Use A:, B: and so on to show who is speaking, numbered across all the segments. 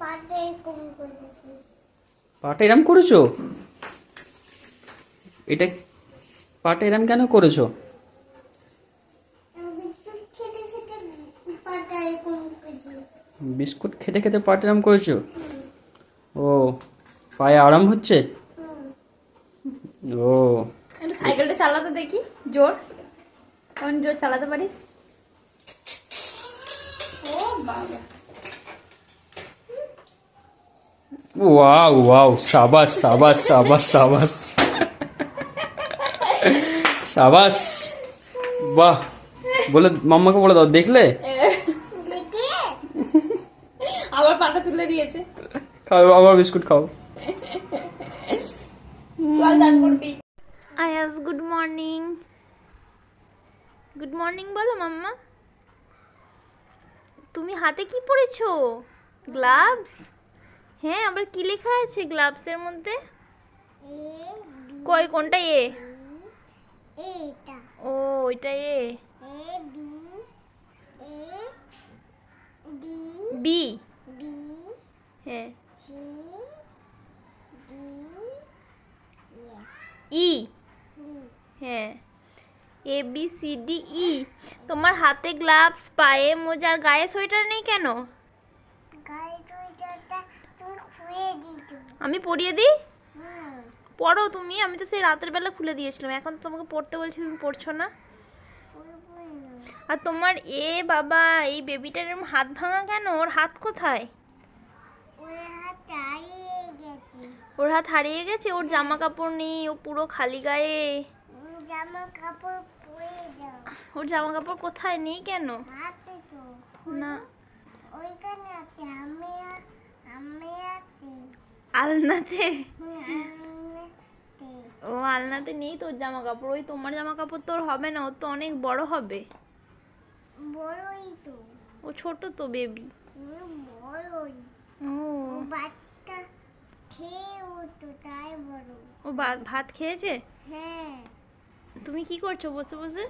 A: পাটা এরম করেছো? এটা পাটা এরম কেন করেছো? বিস্কুট খেতে খেতে পাটা এরম করেছো? ও, পায়ে আরাম হচ্ছে? ও,
B: একটু সাইকেলটা চালাতে দেখি, জোর কোন জোর চালাতে পারিস? ও বাবা,
A: ওয়াও ওয়াও, সাবাস সাবাস সাবাস সাবাস সাবাস, বাহ। বলে মাম্মাকে বলে দাও, দেখলে?
B: আবার পাটা তুলে দিয়েছে।
A: খাও, আবার বিস্কুট খাও।
B: চল দান করবি। আয়াস, গুড মর্নিং। গুড মর্নিং বলো মাম্মা। তুমি হাতে কি পরেছো? গ্লাভস? হ্যাঁ, আবার কি লেখা আছে গ্লাভসের মধ্যে? কই, কোনটা এ? ও, ওইটা এ। বি? হ্যাঁ। ই? হ্যাঁ। A B C D E. তোমার হাতে গ্লাভস, পায়ে মোজা, আর গায়ে সোয়েটার নেই কেন? আমি পরিয়ে দিই? পড়ো তুমি, আমি তো সেই রাতের বেলা খুলে দিয়েছিলাম, এখন তো তোমাকে পড়তে বলছি, তুমি পড়ছো না। আর তোমার এ বাবা, এই বেবিটার এরম হাত ভাঙা কেন? ওর হাত কোথায়? ওর হাত হারিয়ে গেছে? ওর জামা কাপড় নেই, ও পুরো খালি গায়ে। ওর জামা কাপড় কোথায়? নেই কেন? না, আলনাতে? ও, আলনাতে নেই তোর জামা কাপড়। ওই তোমার জামা কাপড় তোর হবে না, ও তো অনেক বড় হবে। ও ছোট তো বেবি। ও, ও ভাত খেয়েছে? তুমি কি করছো বসে বসে?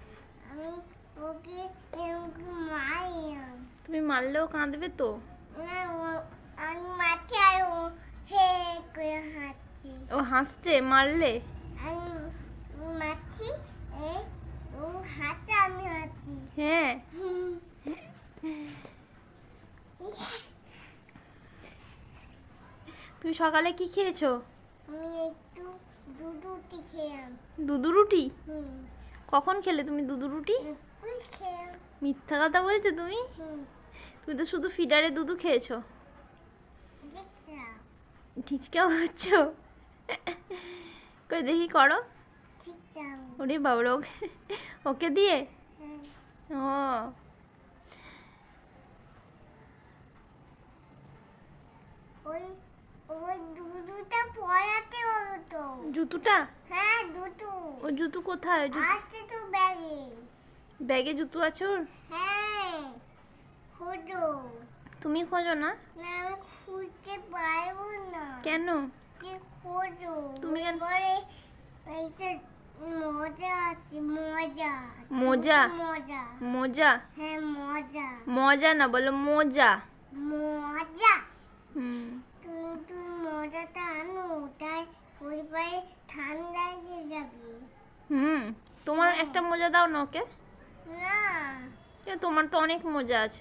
B: তুমি মারলেও কাঁদবে তো। ও হাসছে মারলে? হ্যাঁ। তুমি সকালে কি খেয়েছো? দুধু রুটি? কখন খেলে তুমি দুধু রুটি? মিথ্যা কথা বলছো তুমি। তুমি তো শুধু ফিডারে দুধু খেয়েছো। ঠিচকা হচ্ছ? কই দেখি, করো। ওরে বাবা, ওকে দিয়ে? ও, জুতোটা? ও জুতো কোথায়? ব্যাগে জুতো আছে ওর? তুমি খোঁজো না? কেন? তুমি কেন? মোজা? মোজা? মজা না, বলো মোজা। তোমার একটা মোজা দাও না ওকে। তোমার তো অনেক মোজা আছে।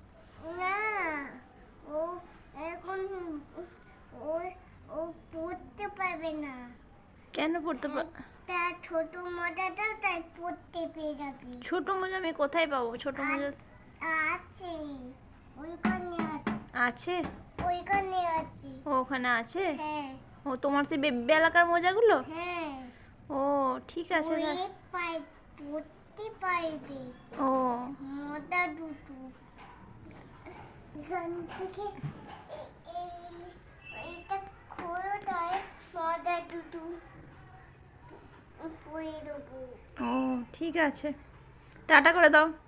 C: পড়তে পারবে না।
B: কেন পড়তে
C: ছোট মোজাটা তাই পড়তে পেয়ে যাবে।
B: ছোট মোজা আমি কোথায় পাবো? ছোট মোজা
C: আছে, ওইখানে
B: আছে। ও, ওখানে আছে?
C: হ্যাঁ।
B: ও, তোমার সেই বেবি এলাকার মোজাগুলো?
C: হ্যাঁ।
B: ও, ঠিক আছে।
C: পড়তে পারবে।
B: ও,
C: মোজা দুটো এখান থেকে এইটা খোলো, তাই মোজা দুটো পরে দেবো।
B: ও, ঠিক আছে, টাটা করে দাও।